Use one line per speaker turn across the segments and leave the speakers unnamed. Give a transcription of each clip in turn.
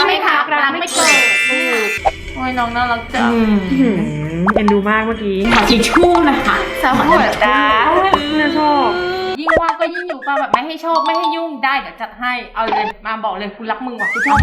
ไม่ทักรักไม่เกิดโอ้ยน้องน่ารักจัง
เอ็นดูมากเมื่อกี้
ขอทิชชู่นะคะสาวหัวตา
น่าชอบ
ยิ่งว่างก็ยิ่งอยู่ป่ะแบบไม่ให้โชคไม่ให้ยุ่งได้เดี๋ยวจัดให้เอาเลยมาบอกเลยคุณรักมึงว่ะคุณชอบ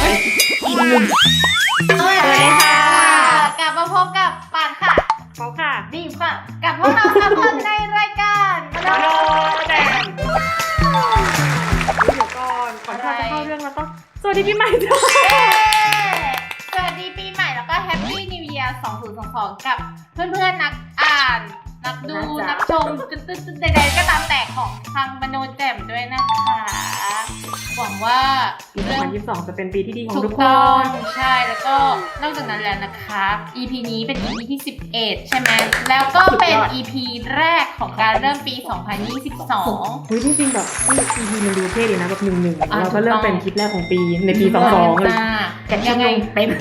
สวัสดีค่ะกลับมาพบกับปานค่ะ
เขาค่ะ
ดีค่ะกับพวกเราสามคนในรายการ
มโนแดงเดี๋ยวก่อนที่เราจะเข้าเรื่องเราต้องสวัสดีปีใหม่ด้วย
สวัสดีปีใหม่แล้วก็แฮปปี้นิวเยียร์2022กับเพื่อนๆนักอ่านนักดูนักชมใดๆก็ตามแต่ของทางมโนแจ่มด้วยนะคะหวังว่า
ปี2022จะเป็นปีที่ดีของทุก
คนใช่แล้วก็นอกจากนั้นแล้วนะคะ EP นี้เป็น EP ที่11ใช่ไหมแล้วก็เป็น EP แรกของการเริ่มปี2022
จริงๆแบบ EP มันดูเท่ดีนะแบบ1-1เราก็เริ่มเป็นคลิปแรกของปีในปี22เลย
ยังไงเต็ม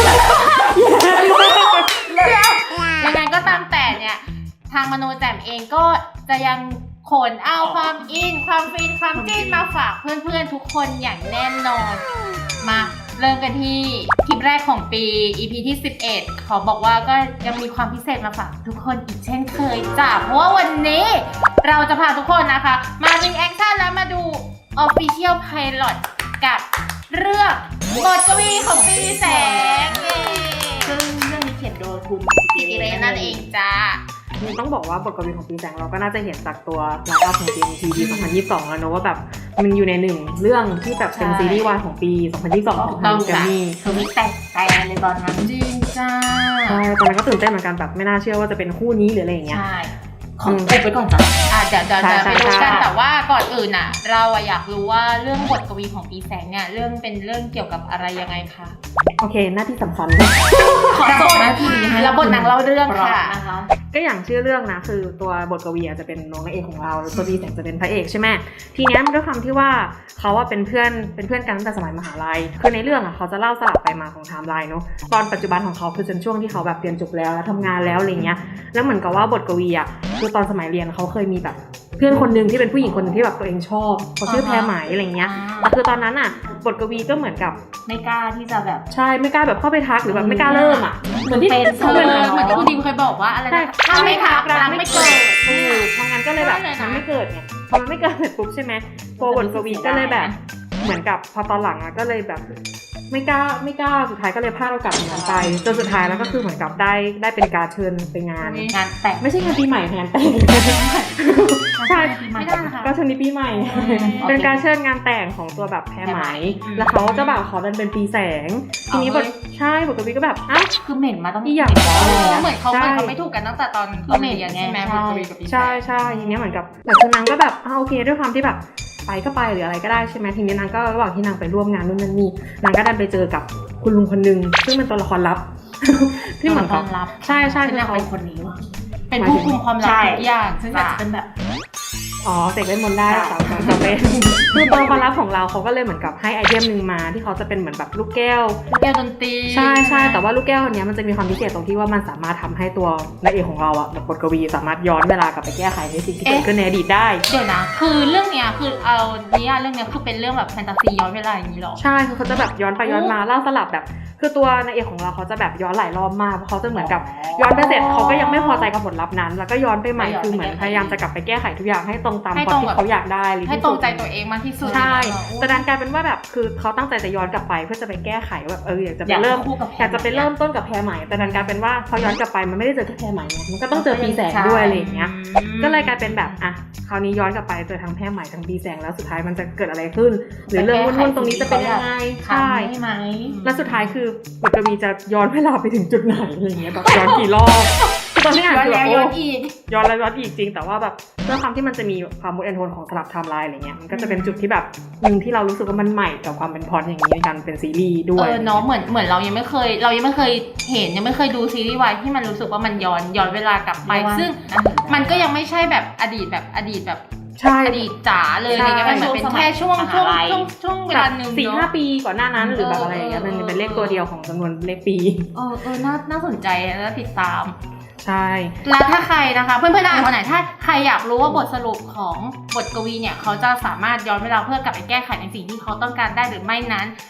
ยังไงก็ตามแต่เนี่ยทางมโนแจ่มเองก็จะยังขนเอาความอินความฟินความจิ้นมาฝากเพื่อนๆทุกคนอย่างแน่นอนมาเริ่มกันที่คลิปแรกของปี EP ที่11ขอบอกว่าก็ยังมีความพิเศษมาฝากทุกคนอีกเช่นเคยจ้ะเพราะว่าวันนี้เราจะพาทุกคนนะคะมารีแอคชั่นแล้วมาดู Official Pilot กับเรื่องบทกวีของปีแสง
ซึ่งเรื่องนี้เขียนโดยคุณ
กิติเรนนั่นเองจ้า
ต้องบอกว่าบทกวีของปีแสงเราก็น่าจะเห็นจากตัวไลน์อัพของ GMTV 2022แล้วเนอะว่าแบบมันอยู่ในหนึ่งเรื่องที่แบบเป็นซีรีส์วายของปี2022ของทางแกรมมี่
คือมีแต่เลยตอนนั้นจริงจ้า
ใช่ตอนนั้นก็ตื่นเต้นเหมือนกันแบบไม่น่าเชื่อว่าจะเป็นคู่นี้หรืออะไรอย่างเงี้ย
ใช่ของอุบไปก่อนจ้ะเดี๋ยวไปดูกันแต่ว่าก่อนอื่นอ่ะเราอยากรู้ว่าเรื่องบทกวีของปีแสงเนี่ยเป็นเรื่องเกี่ยวกับอะไรยังไงคะ
โอเคหน้าที่สำคัญ
ขอส่งหน้าที่ให้แล้วบทนางเล่าเรื่องค่ะ
ก็อย่างชื่อเรื่องนะคือตัวบทกวีจะเป็นน้องนางเอกของเราตัวปีแสงจะเป็นพระเอกใช่ไหมทีนี้มันด้วยความที่ว่าเขาเป็นเพื่อนกันตั้งแต่สมัยมหาลัยคือในเรื่องเขาจะเล่าสลับไปมาของไทม์ไลน์เนาะตอนปัจจุบันของเขาคือจนช่วงที่เขาแบบเรียนจบแล้วทำงานแล้วอะไรเงี้ยแล้วเหมือนกับว่าบทกวีคือตอนสมัยเรียนเขาเคยมีแบบเพื่อนคนนึงที่เป็นผู้หญิงคนนึงที่แบบตัวเองชอบเขาชื่อแพรไหมอะไรเงี้ยแต่คือตอนนั้นบทกวีก็เหมือนกับ
ไม่กล้าที่จะแบบ
ใช่ไม่กล้าแบบเข้าไปทักหรือแบบไม่กล้าเริ่ม
เหมือนที่เหมือนที่คุณดิมเคยบอกว่าอะไรนะถ้าไม่ทักรักไม่เกิด
เพราะงั้นก็เลยแบบมันไม่เกิดเนี่ยพอมันไม่เกิดเสร็จปุ๊บใช่ไหมตัวบทกวีก็เลยแบบเหมือนกับพอตอนหลังก็เลยแบบไม่กล้าสุดท้ายก็เลยพลาดโอกาสนั้นไปจนสุดท้ายแล้วก็คือเหมือนกับได้เป็นการเชิญไปงาน
แต่ง
ไม่ใช่งานปีใหม่งานแต่งใช่
ไม่ได้นะคะ
ก็เชิญในปีใหม่เป็นการเชิญงานแต่งของตัวแบบแพรไหมแล้วเขาเจ้าบ่าวเขาเป็นปีแสงทีนี้บทกวีก็แบบ
คือเหม็นมาต้อง
อีอย่าง
เหมือนเขาไม่ถูกกันตั้งแต่ตอนเหม็นอย่างเงี้ยใช่ไหมบทกวีกับปีแสง
ใช่ทีนี้เหมือนกับแต่คือนางก็แบบโอเคด้วยความที่แบบไปก็ไปหรืออะไรก็ได้ใช่ไหมทีนี้นางก็ระหว่างที่นางไปร่วมงานนู่นนั่นนี่นางก็ดันไปเจอกับคุณลุงคนนึงซึ่งเป็นตัวละครลับที่เหมือนเขาใช่
คือเขาเป็นคนนี้ว่ะเป็นผู้คุมความลับทุกอย่างซึ่งอาจจะเป็นแบบ
เสกเล่นมนต์ได้สาวจะเป็นคือตัวละครลับของเราเขาก็เลยเหมือนกับให้ไอเทมนึงมาที่เขาจะเป็นเหมือนแบบลูกแก้ว
ดนตรี
ใช่แต่ว่าลูกแก้วอันนี้มันจะมีความพิเศษตรงที่ว่ามันสามารถทำให้ตัวนายเอกของเราแบบบทกวีสามารถย้อนเวลากลับไปแก้ไขในสิ่งที่เกิดขึ้นในอดีตได้
เดี๋ยวนะคือเรื่องเนี้ยคือเอาเรื่องเนี้ยคือเป็นเรื่องแบบแฟนตาซีย้อนเวลาอย่างนี้หรอ
ใช่คือเขาจะแบบย้อนไปย้อนมาเล่าสลับแบบคือตัวนายเอกของเราเขาจะแบบย้อนหลายรอบมากเพราะเขาจะเหมือนกับย้อนไปเสร็จเขาก็ยังไม่พอใจกับผลลัพธ์นั้นแล้วก็ย้อนไปใหม่คือเหมือนพยายามจะกลับไปแก้ไขทุกอย่างให้ตรงตามความที่เขาอยากได้
ให้ตรงใจตัวเองมากที่สุด
ใช่แต่ดันกลายเป็นว่าแบบคือเขาตั้งใจจะย้อนกลับไปเพื่อจะไปแก้ไขแบบอยากจะไปเริ่มต้นกับแพรใหม่แต่ดันกลายเป็นว่าพอย้อนกลับไปมันไม่ได้เจอแค่แพรใหม่มันก็ต้องเจอปีแสงด้วยอะไรอย่างเงี้ยก็เลยกลายเป็นแบบคราวนี้ย้อนกลับไปเจอทั้งแพรใหม่ทั้งปีแสงแล้วสุดท้ายมันจะเกิดอะไรขึ้นหรือเรื่องวุ่นๆตรงนี้จะเป็นยังไง
ใช่ไหม
แล้วสุดท้ายคือบทกวีจะย้อนเวลาไปถึงจุดไหนอะไรเงี้ยแบบย้อนกี่รอบตอนนี้อ่านคือย้อนอีกจริงแต่ว่าแบบด้วยความที่มันจะมีความมูดแอนโทนของสลับไทม์ไลน์อะไรเงี้ยมันก็จะเป็นจุดที่แบบนึงที่เรารู้สึกว่ามันใหม่กับความเป็นพล็อตอย่างนี้ในการเป็นซีรีส์ด้วย
เนาะเหมือนเรายังไม่เคยเห็นยังไม่เคยดูซีรีส์วายที่มันรู้สึกว่ามันย้อนเวลากลับไปซึ่งมันก็ยังไม่ใช่แบบอดีตแบบอดีตจ๋าเลยอะไรเงี้ยมันเหมือนเป็นแค่ช่วงเวลานึง
4-5 ปีก่อนหน้านั้นหรือแบบอะไรอย่างเงี้ยมันเป็นเลขตัวเดียวของจำนวนเลขปี
น่าสนใจและติดตาม
ใช่
แล้วถ้าใครนะคะเพื่อนๆอ่านคนไหนถ้าใครอยากรู้ว่าบทสรุปของบทกวีเนี่ยเขาจะสามารถย้อนเวลาเพื่อกลับไปแก้ไขในสิ่งที่เขาต้องการได้หรือไม่นั้น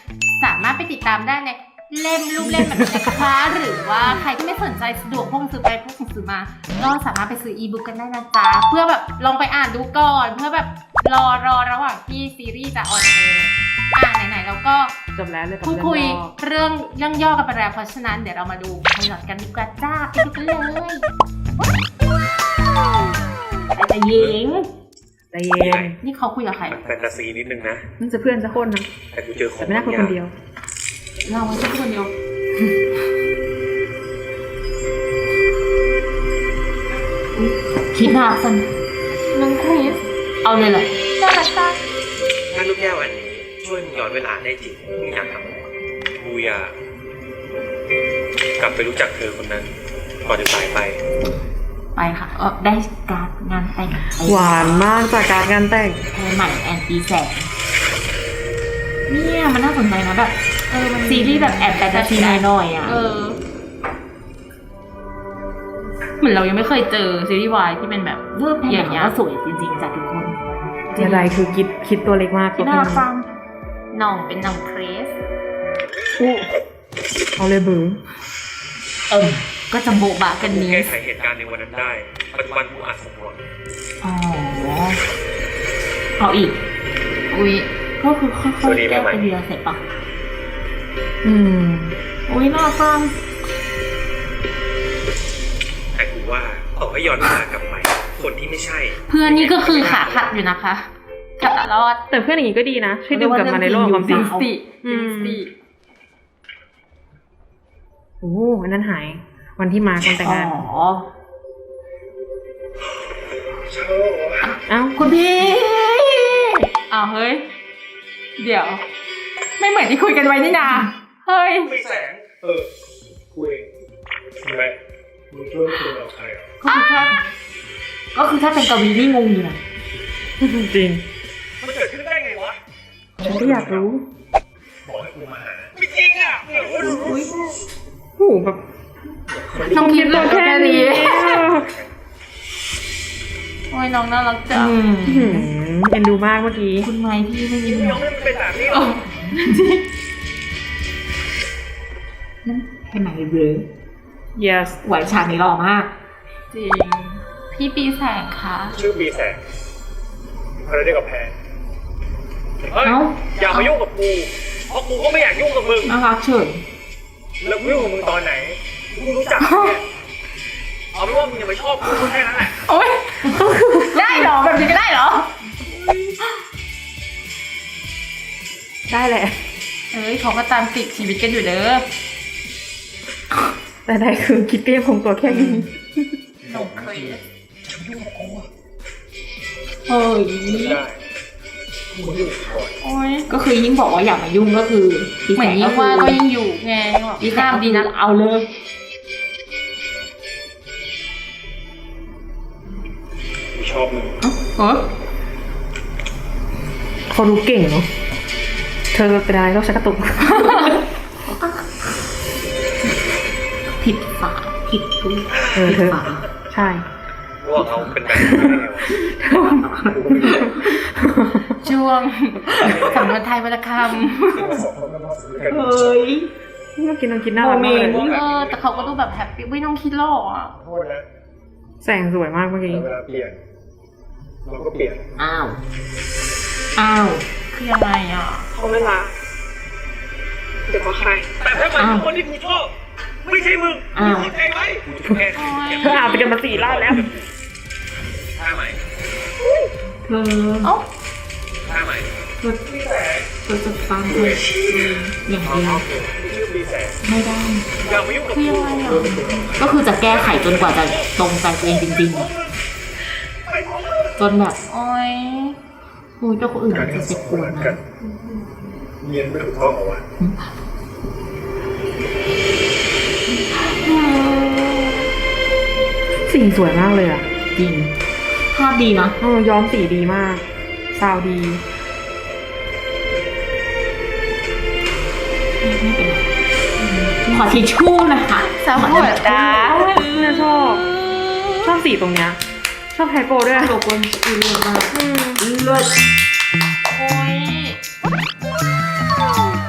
สามารถไปติดตามได้ในเล่มรูปเล่มแบบนี้นะคะหรือว่าใครที่ไม่สนใจสะดวกพวกหนังสือไปพวกหนังสือมาก็สามารถไปซื้ออีบุ๊กกันได้นะจ๊ะเพื่อแบบลองไปอ่านดูก่อนเพื่อแบบรอระหว่างที่ซีรีส์จะออนแอร์ไหนๆแล้วก็
จบแล้วเลยกับ
พูด
เรื่อง
คุย
ย่อ
เรื่องย่อกันไปแล้วเพราะฉะนั้นเดี๋ยวเรามาดูไพลอตกันดีกว่าจ้าไปดูกันเลยแต่หญิง
ใจเย็น
นี่เขาคุยกับใคร
แฟนตาซีนิดนึงนะ
นั่นจะเพื่อนจะคนนะ
แต่กูเจอขอ
แต่
ง
ไม่น่าคุยคนเดียว
เราไม่ใช่คนเดียวคิดหน้าสันน้องคริสเอาเลยเหรอน่ารักจัง
ถ้าลูกแก้วอันนี้ช่วยมึงย้อนเวลาได้จริงมึงอยากทำอะไรกูอยากกลับไปรู้จักเธอคนนั้นก่อนจะสายไป
ไปค่ะได้การดงานแต่ง
หวานมากจากการงานแต่ง
แพรใหม่แอนตีแสงเนี่ยมันน่าสนใจนะแบบมันซีรีส์แบบแอบแฟนตาซีหน่อยๆอ่ะเหมือนเรายังไม่เคยเจอซีรีส์วายที่เป็นแบบอย่างเงี้ยสวยจริงๆจากทุกคน
อะไรคือคิดตัวเล็กมาก
น่ารักฟังน้องเป็นน้องเครส
อู้เอาเลยบือ
ก็จะโบะบะกัน
กู
นี้
แก้ไขเหตุการณ์ในวันนั้นได้ ปัจจุบันกูอาจสมหวัง
อ๋อเอาอีกอุ้ยก็คือค่อยๆแก้ไปเรียเสร็จปะ อุ้ยน่าฟัง
แต่กูว่าต่อให้ย้อนเวลากลับไปคนที่ไม่ใช่
เพื่อนนี่ก็คือขาขัดอยู่นะคะขัดตลอด
แต่เพื่อนอย่างนี้ก็ดีนะช่วยดึงกลับมาในโลกความจริง
สติ
โอ้อันนั้นหาย วันที่มาคนแต่งงาน เอ้า
คุณพี่อ้าวเฮ้ยเดี๋ยว ไม่เหมือนที่คุยกันไว้นี่นาเฮ้ย
ไม่แสงกูเองทำไมมึงช่วยคุยกับใครอ่ะ
ก็คือถ้าเป็นกวีนี่งงอยู่นะ
จริง
มันเกิดขึ้นได้ไงวะ
ฉันก็อยากรู้
บอกให้กูมาหาไม่จริงอ่ะ
โอ้โหแบบ
น้องคิด
ตัวแค่นี้
โอ้ยน้องน่ารักจัง
เอ็นดูมากเมื่อกี้
คุณไม้พี่ไม่ยิ้ม
ยังไม่เป็นแบบนี้หรอ
นั่นเป็นไหนเลย
yes
ไหวฉากนี้หล่อมาก จริง พี่ปีแสงคะ
ชื่อบีแสงอะไรได้กับแพนเฮ้ยอย่ามายุ่งกับกูเพราะกูก็ไม่อยากยุ่งกับมึง
น่ารักเฉย
แล้วกูยุ่งกับมึงตอนไหนกูรู้จักมึงเนี่ยเอาเป็นว่ามึงอย่าไปชอบกูแค่นั้นแหละ
โอ๊ยได้เหรอแบบนี้ก็ได้เหรอ
ได้แหละ
เอ้ยเขาก็ตามติดชีวิตกันอยู่เด้อ
แต่ได้คือคิดก็ยังคงตัวแค่นี้
หนุ่มเคยเฮ้ย
ได้มึงยุ่งก่อน
โอ๊ยก็คือยิ่งบอกว่าอย่ามายุ่งก็คือเหมือนยิ่งว่าก็ยิ่งอยู่ไงดีงามดีนะเอาเลย
กูชอบมึง
เขารู้เก่งเนาะ เธอเป็นอะไรต้องใช้กระตุก
ผิดฝาผิดทุก
เธอ ใช่
ว่าเขาเป็นแบบนี้ได้ไงวะ
ช่วงสำนวนไทยวรรณค
เฮ้ยเมื่อกี้น้องคิดน่ารักมากเลย
ำแต่เขาก็ดูแบบแฮปปี้ไม่ต้องคิดหรอกอ่ะ
โทษนะ
แสงสวยมากเมื่อกี้
เวลาเปลี่ยนเราก็เปลี่ยน
อ้าวคือยังไงอ่ะ
เขาไม่รักเดี๋ยวมาใคร
แต่ถ้ามันเป็นคนที่กูชอบไม่ใช่มึงมึงเข้าใจไหมกูจะแค่
เธออาบไปกันมา4 รอบแล้ว
ท่าไหม
เธอเอ้า
ท่าไหม
เธอจะฟังเลยอย่าง
เอา
เดียว
ชื่อบีแสง
ไม่ได้
อย่ามายุ่งกับ
คือ
กู
ยังไงอ่ะก็คือจะแก้ไขจนกว่าจะตรงใจตัวเองจริงๆจนแบบโอ๊ยคุยกับคนอื่นจะเจ็บปวดนะ
เรียนไม่ถูกต้องเอาวะ
สีสวยมากเลยอ่ะ
จริงภาพดีนะ
ย้อมสีดีมาก ซาวดี
ไม่เป็นไรขอทิชชู่นะคะสาวหัวตา
น่าชอบสีตรงเนี้ย ชอบไฮโปด้วย
โลโก้คือเลิศมากเลิศโอ้ย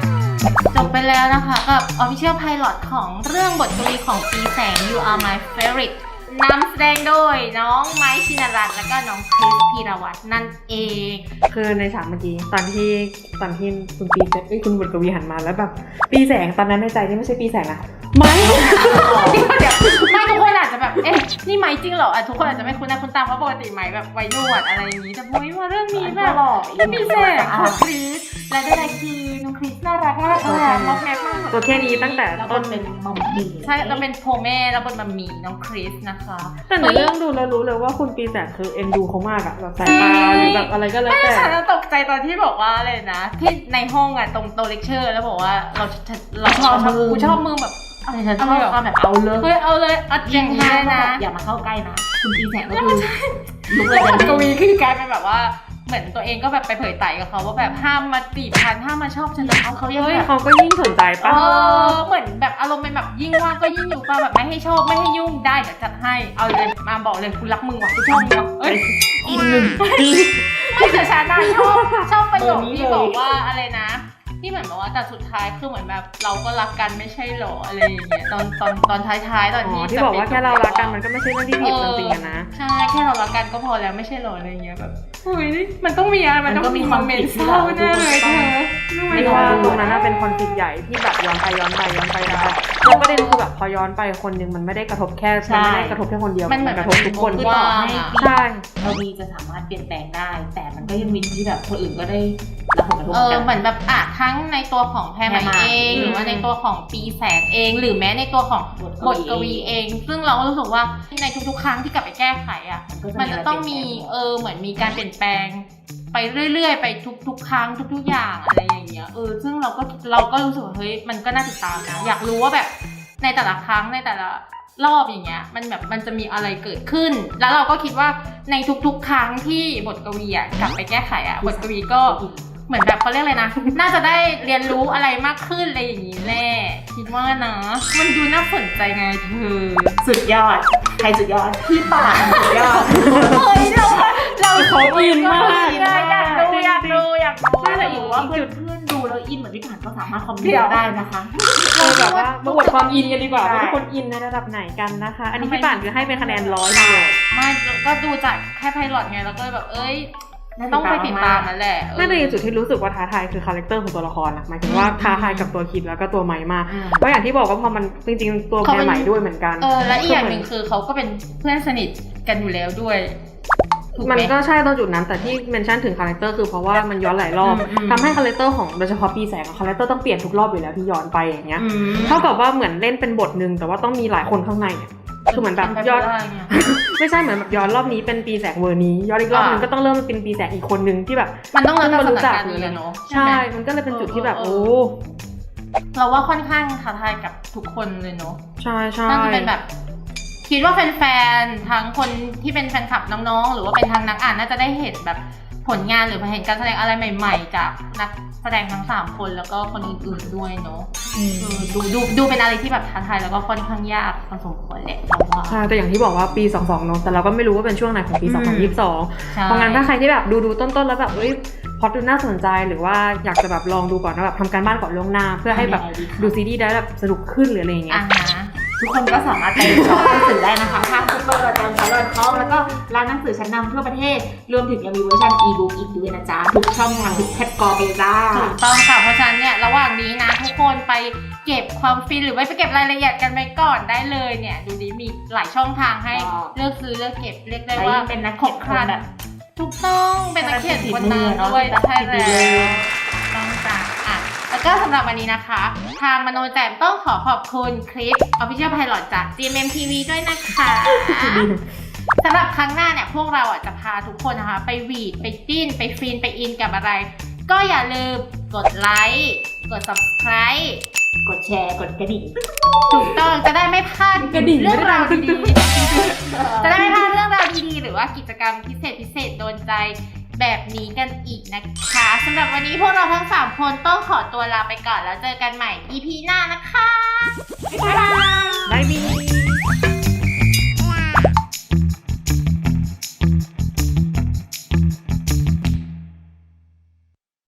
จบไปแล้วนะคะกับ Official Pilot ของเรื่องบทกวีของปีแสง You Are My Favorite นำแสดงโดยน้องไม้ชินรัตน์และก็น้องคริสพีรวัตรนั่นเอง
คือในฉากเมื่อกี้ตอนที่คุณปีเซตคุณบุตรกวีหันมาแล้วแบบปีแสงตอนนั้นในใจนี่ไม่ใช่ปีแสงนะไม่
เดี๋ยวไม่ทุกคนอาจจะแบบเอ๊ะนี่ไม้จริงเหรอทุกคนอาจจะไม่คุ้นหน้าคุ้นตาเพราะปกติไม้แบบไว้หนวดอะไรอย่างนี้แต่พอมาเรื่องนี้แบบไม่มีแสงของคริสและใดๆคือน้องคริสน่ารักมากมอกแม็กมาก
ตัวแค่นี้ตั้งแต่
แล้ว
ต้
ก็
น
เป็นมัมมี่
ใช่เราเป็นโพแม่แล้วบนมัมมี่น้องคริสนะคะ
แต่ในเรื่องดูแล้วรู้เลยว่าคุณปีแสงคือเอ็นดูเขามากอะแบบสายตาหรือแบบอะไรก็แล้ว
ไม่
แต่
ฉันตกใจตอนที่บอกว่าเลยนะที่ในห้องอะตรงโต๊ะเลคเชอร์แล้วบอกว่าเราชอบมือกูชอบมือแบบ
อะไรฉันชอบความแบบเอาเลย
เฮ้ยเอาเลยเอาจริง
ห้า
เลย
นะ
นะ
อย่ามาเข้าใกล้นะคุณปีแสงก็คือลุกเลย
กวีคือกลายเป็นแบบว่าเหมือนตัวเองก็แบบไปเผยไต่กับเขาว่าแบบห้ามมาจีบฉันห้ามมาชอบฉันแต่เขายัง
เฮ้ย
แบบ
เขาก็ยิ่งสนใจปะ
เหมือนแบบอารมณ์เป็นแบบยิ่งว่างก็ยิ่งอยู่ป่ะแบบไม่ให้ชอบไม่ให้ยุ่งได้เดี๋ยวจัดให้เอาเลยมาบอกเลยกูรักมึงว่ะกูชอบมึงว่ะเอ้ย
อินหนึ่ง
ไม่แต่ฉันน่ะชอบประโยคที่บอกว่าอะไรนะที่เหมือนแบบว่าแต่สุดท้ายคือเหมือนแบบเราก็รักกันไม่ใช่หรออะไรอย่างเงี้ยตอนท้ายๆตอน
อ๋อ
ที่
ที่บอกว่าแค่เรารักกันมันก็ไม่ใช่เรื่องที่ผิดจริงๆอะนะ
ใช่แค่เรารักกันก็พอแล้วไม่ใช่หรออะไรอย่างเงี้ยแบบเฮ้ยมันต้องมีอะไรมันต้องมีคอมเมนต์เศร้าแน่เลยเธอ
ไม่ว่าตรงนั้นน่ะเป็นคอนฟ lict ใหญ่ที่แบบย้อนไปแล้วประเด็นคือแบบพอย้อนไปคนนึงมันไม่ได้กระทบแค่มันไม่ได้กระทบแค่คนเดียว
มันเหมือน
กระทบทุกคน
ว่า
ใช่
เรามีจะสามารถเปลี่ยนแปลงได้ แต่มันก็ยังมีที่แบบคนอื่นก็ได้รับผลกระทบ
เหมือนแบบทั้งในตัวของแพรไหมเองหรือว่าในตัวของปีแสงเองหรือแม้ในตัวของบทกวีเองซึ่งเราก็รู้สึกว่าในทุกๆครั้งที่กลับไปแก้ไขอ่ะมันจะต้องมีเหมือนมีการเปลี่ยนแปลงไปเรื่อยๆไปทุกๆครั้งทุกๆอย่างอะไรอย่างเงี้ยซึ่งเราก็รู้สึกว่าเฮ้ยมันก็น่าติดตามนะอยากรู้ว่าแบบในแต่ละครั้งในแต่ละรอบอย่างเงี้ยมันแบบมันจะมีอะไรเกิดขึ้น แล้วเราก็คิดว่าในทุกๆครั้งที่บทกวีอ่ะกลับไปแก้ไขอ่ะบทกวีก็เหมือนแบบเขาเรียกอะไรนะ น่าจะได้เรียนรู้อะไรมากขึ้นอะไรอย่างนี้แน่คิดว่านะมันดูน่าสนใจไงเธอ
สุดยอดใครสุดยอดพี่ป่านสุดยอด
เฮ้ยเรา
เขาอินมาก
อยากดู
น่าจะอยู่ว่าเพื่อนดูแล้วอินเหมือนพี่ป่านก็สามารถคอมเมนต์ได้นะคะ
แบบว่ามาอวดความอินกันดีกว่า
ใช่
ว่าทุกคนอินในระดับไหนกันนะคะ อันนี้พี่ป่านคือให้เป็นคะแนน100เลย
ไม่ก็ดูจากแค่ไพลอตไงแล้วก็แบบต้องไปติดตามนั่นแหละ
น่าจะเป็นจุดที่รู้สึกว่าท้าทายคือคาแรคเตอร์ของตัวละครนะหมายถึงว่าท้าทายกับตัวคิดแล้วก็ตัวไม้มากเพราะอย่างที่บอกว่าพอมันจริงๆตัวแพรใหม่ด้วยเหมือนกัน
และอีกอย่างหนึ่งคือเขาก็เป็นเพื่อนสนิทกันอยู่แล้วด้วยถูกไห
มันก็ใช่ตอนจุดนั้นแต่ที่เมนชั่นถึงคาแรคเตอร์คือเพราะว่ามันย้อนหลายรอบทำให้คาแรคเตอร์ของโดยเฉพาะปีแสงคาแรคเตอร์ต้องเปลี่ยนทุกรอบอยู่แล้วที่ย้อนไปอย่างเงี้ยเท่ากับว่าเหมือนเล่นเป็นบทนึงแต่ว่าต้องมีหลายคนข้างในเนี่ยคือเหมือนแบบย้อนไม่ใช่เหมือนแบบย้อนรอบนี้เป็นปีแสงเวอร์นี้ย้อนอีกรอบนึงก็ต้องเริ่มเป็นปีแสงอีกคนนึงที่แบบ
มันต้องเริ่ม
มา
จาก
รู้
ส
จั
ถาก นการณ์นี้เลยเนาะ
ใช่ มันก็เลยเป็นจุดที่แบบโอ้
เราว่าค่อนข้างท้าทายกับทุกคนเลยเนาะ
ใช่ใช่
น่าจะเป็นแบบคิดว่าแฟนๆทั้งคนที่เป็นแฟนคลับน้องๆหรือว่าเป็นทางนักอ่านน่าจะได้เห็นแบบผลงานหรือเห็นการแสดงอะไรใหม่ๆจากนักแสดงทั้ง3คนแล้วก็คนอื่นๆด้วยเนาะดูเป็นอะไรที่แบบท้าทายแล้วก็ค่อนข้างยากพอสมควรแหละเราว่า
ใช่แต่อย่างที่บอกว่าปี22เนาะแต่เราก็ไม่รู้ว่าเป็นช่วงไหนของปี2022เพราะงั้นถ้าใครที่แบบดูต้นๆแล้วแบบพอดูน่าสนใจหรือว่าอยากจะแบบลองดูก่อนนะแบบทำการบ้านก่อนล่วงหน้าเพื่อให้แบบดูซีรีส์ได้แบบสนุกขึ้นหรืออะไรอย่างเงี้ย
ทุกคนก็สามารถไปช็อปหนังสือได้นะคะทางซูเปอร์ajan.com แล้วก็ร้านหนังสือชั้นนำทั่วประเทศรวมถึงยังมีเวอร์ชัน e-book อีกด้วยนะจ๊ะทุกช่องทางทุกแพลตฟอร์มเลยจ้า
ถูกต้องค่ะเพราะฉะนั้นเนี่ยระหว่างนี้นะทุกคนไปเก็บความฟินหรือไปเก็บรายละเอียดกันไปก่อนได้เลยเนี่ยดูดิมีหลายช่องทางให้เลือกซื้อเลือกเก็บเรียกได้ว่า
เป็นนักเขียนคนแบบ
ถูกต้องเป็นนักเขียนคนนานด้วยใช่แล้วต้องจ้ะแล้วก็สำหรับวันนี้นะคะ ทางมโนแจ่มต้องขอบคุณคลิป Official Pilot จาก GMMTV ด้วยนะคะสำหรับครั้งหน้าเนี่ยพวกเราจะพาทุกคนนะคะไปหวีดไปจิ้นไปฟินไปอินกับอะไร ก็อย่าลืมกดไลค์กด subscribe
กดแชร์กดกระดิ่ง
ถูกต้องจะได้ไม่พลาดเรื่องราวดีๆจะได้ไม่พลาดเรื่องราวดีๆหรือว่ากิจกรรมพิเศษโดนใจแบบนี้กันอีกนะคะสำหรับวันนี้พวกเราทั้ง3คนต้องขอตัวลาไปก่อนแล้วเจอกันใหม่ EP หน้านะคะบ๊ายบาย